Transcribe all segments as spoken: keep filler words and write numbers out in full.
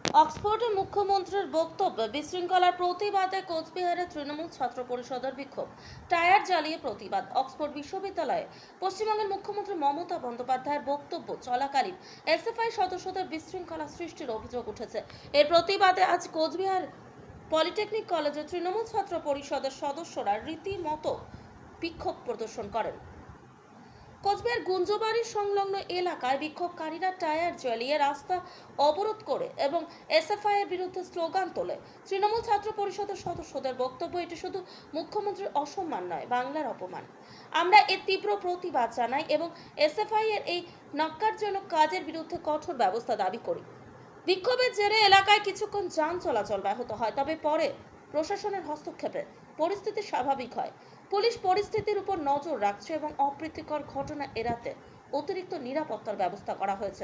অক্সফোর্ডে মুখ্যমন্ত্রীর বক্তব্য বিশৃঙ্খলার প্রতিবাদে কোচবিহারে তৃণমূল ছাত্র পরিষদের বিক্ষোভ, টায়ার জ্বালিয়ে প্রতিবাদ। অক্সফোর্ড বিশ্ববিদ্যালয়ে পশ্চিমবঙ্গের মুখ্যমন্ত্রী মমতা বন্দ্যোপাধ্যায়ের বক্তব্য চলাকালীন এসএফআই সদস্যদের বিশৃঙ্খলা সৃষ্টির অভিযোগ উঠেছে। এর প্রতিবাদে আজ কোচবিহার পলিটেকনিক কলেজে তৃণমূল ছাত্র পরিষদের সদস্যরা রীতিমতো বিক্ষোভ প্রদর্শন করেন। কোচবিহার গুঞ্জবাড়ি সংলগ্ন এলাকায় বিক্ষোভকারীরা টায়ার জ্বালিয়ে রাস্তা অবরোধ করে এবং এসএফআই এর বিরুদ্ধে স্লোগান তোলে। তৃণমূল ছাত্র পরিষদের সদস্যদের বক্তব্য, এটি শুধু মুখ্যমন্ত্রীর অসম্মান নয়, বাংলার অপমান। আমরা এর তীব্র প্রতিবাদ জানাই এবং এসএফআই এর এই ন্যক্কারজনক কাজের বিরুদ্ধে কঠোর ব্যবস্থা দাবি করি। বিক্ষোভের জেরে এলাকায় কিছুক্ষণ যান চলাচল ব্যাহত হয়, তবে পরে প্রশাসনের হস্তক্ষেপে পরিস্থিতি স্বাভাবিক হয়। পুলিশ পরিস্থিতির উপর নজর রাখছে এবং অপ্রীতিকর ঘটনা এড়াতে অতিরিক্ত নিরাপত্তার ব্যবস্থা করা হয়েছে।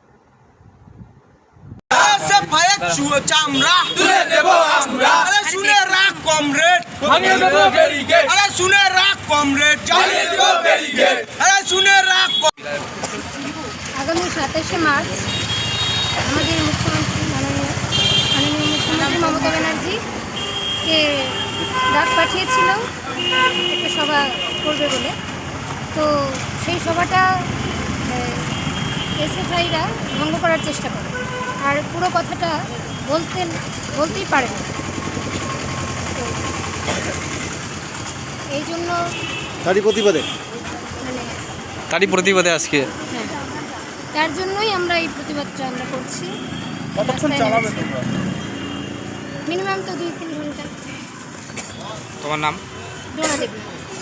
আগামী সাতাশে মার্চ আমাদের মুখ্যমন্ত্রী মাননীয় মাননীয় মুখ্যমন্ত্রী মমতা ব্যানার্জিকে ডাক পাঠিয়েছিল একটা সভা করবে বলে। তো সেই সভাটা এসএফআইরা ভঙ্গ করার চেষ্টা করে, আর পুরো কথাটা বলতে বলতেই পারে না। তো এই জন্য তারই প্রতিবাদে মানে তারই প্রতিবাদে আজকে হ্যাঁ, তার জন্যই আমরা এই প্রতিবাদটা আমরা করছি। কতক্ষণ চালাবে তোমরা? মিনিমাম তো দুই তিন ঘন্টা। তোমার নাম? ডোনা দেবী।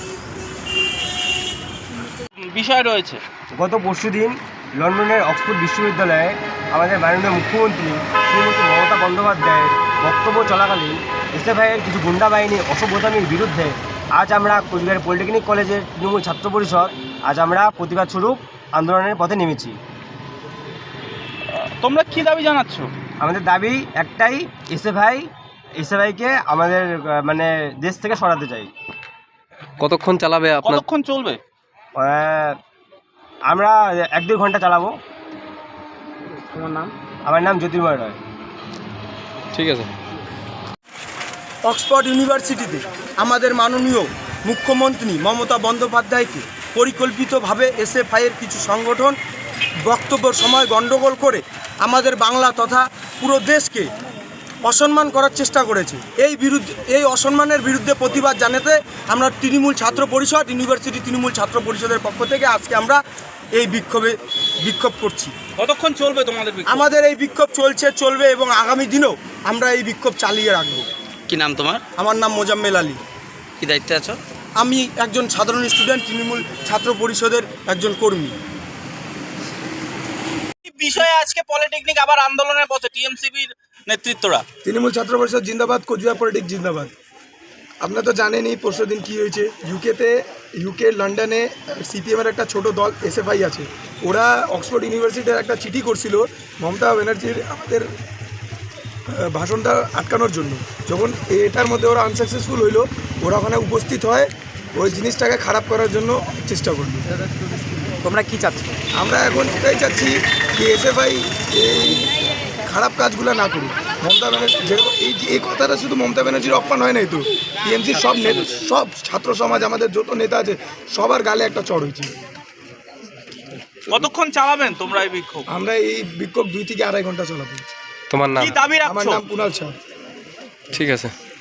বিষয় রয়েছে, গত পরশুদিন লন্ডনের অক্সফোর্ড বিশ্ববিদ্যালয়ে আমাদের মাননীয় মুখ্যমন্ত্রী শ্রীমতী মমতা বন্দ্যোপাধ্যায়ের বক্তব্য চলাকালীন এসএফআইয়ের কিছু গুন্ডা বাহিনী অসভ্যতামির বিরুদ্ধে আজ আমরা কোচবিহার পলিটেকনিক কলেজের তৃণমূল ছাত্র পরিষদ আজ আমরা প্রতিবাদ স্বরূপ আন্দোলনের পথে নেমেছি। তোমরা কি দাবি জানাচ্ছ? আমাদের দাবি একটাই, এসএফআই এসএফআইকে আমাদের মানে দেশ থেকে সরাতে চাই। কতক্ষণ চালাবে আপনার? কতক্ষণ চলবে? আহ, আমরা এক দুই ঘন্টা চালাবো। তোমার নাম? আমার নাম জ্যোতির্ময় রায়। ঠিক আছে। অক্সফোর্ড ইউনিভার্সিটিতে আমাদের মাননীয় মুখ্যমন্ত্রী মমতা বন্দ্যোপাধ্যায়কে পরিকল্পিতভাবে এসএফআইয়ের কিছু সংগঠন বক্তব্যের সময় গণ্ডগোল করে আমাদের বাংলা তথা পুরো দেশকে অসম্মান করার চেষ্টা করেছে। এই বিরুদ্ধে এই অসম্মানের বিরুদ্ধে প্রতিবাদ জানাতে আমরা তৃণমূল ছাত্র পরিষদ ইউনিভার্সিটি তৃণমূল ছাত্র পরিষদের পক্ষ থেকে আজকে আমরা এই বিক্ষোভে বিক্ষোভ করছি। কতক্ষণ চলবে তোমাদের বিক্ষোভ? আমাদের এই বিক্ষোভ চলছে, চলবে এবং আগামী দিনেও আমরা এই বিক্ষোভ চালিয়ে রাখবো। কি নাম তোমার? আমার নাম মোজাম্মেল আলী। কি দায়িত্বে আছো? আমি একজন সাধারণ স্টুডেন্ট, তৃণমূল ছাত্র পরিষদের একজন কর্মী। বিষয়ে আজকে পলিটেকনিক আবার আন্দোলনের পথে টিএমসিবির নেতৃত্বরা। তৃণমূল ছাত্র পরিষদ জিন্দাবাদ, কোচবিহার পলিটিক জিন্দাবাদ। আপনারা তো জানেনই পরশু দিন কী হয়েছে। ইউকেতে ইউকে লন্ডনে সিপিএমের একটা ছোট দল এসএফআই আছে, ওরা অক্সফোর্ড ইউনিভার্সিটির একটা চিঠি করছিল মমতা ব্যানার্জির আমাদের ভাষণটা আটকানোর জন্য। যখন এটার মধ্যে ওরা আনসাকসেসফুল হইলো, ওরা ওখানে উপস্থিত হয় ওই জিনিসটাকে খারাপ করার জন্য চেষ্টা করলো। তোমরা কি চাচ্ছ? আমরা এখন এটাই চাচ্ছি যে এসএফআই এই খারাপ কাজগুলো না করুক। মমতা ব্যানার্জি যেরকম এই এই কথাটা শুধু মমতা ব্যানার্জির অপমান হয় নাই তো, টিএমসির সব নেতা, সব ছাত্র সমাজ, আমাদের যত নেতা আছে সবার গালে একটা চড় হয়েছে। কতক্ষণ চালাবেন তোমরা এই বিক্ষোভ? আমরা এই বিক্ষোভ দুই থেকে আড়াই ঘন্টা চালাবো। তোমার নাম? কি দাবি আমার রাখছো? নাম কুণাল শাহ। ঠিক আছে।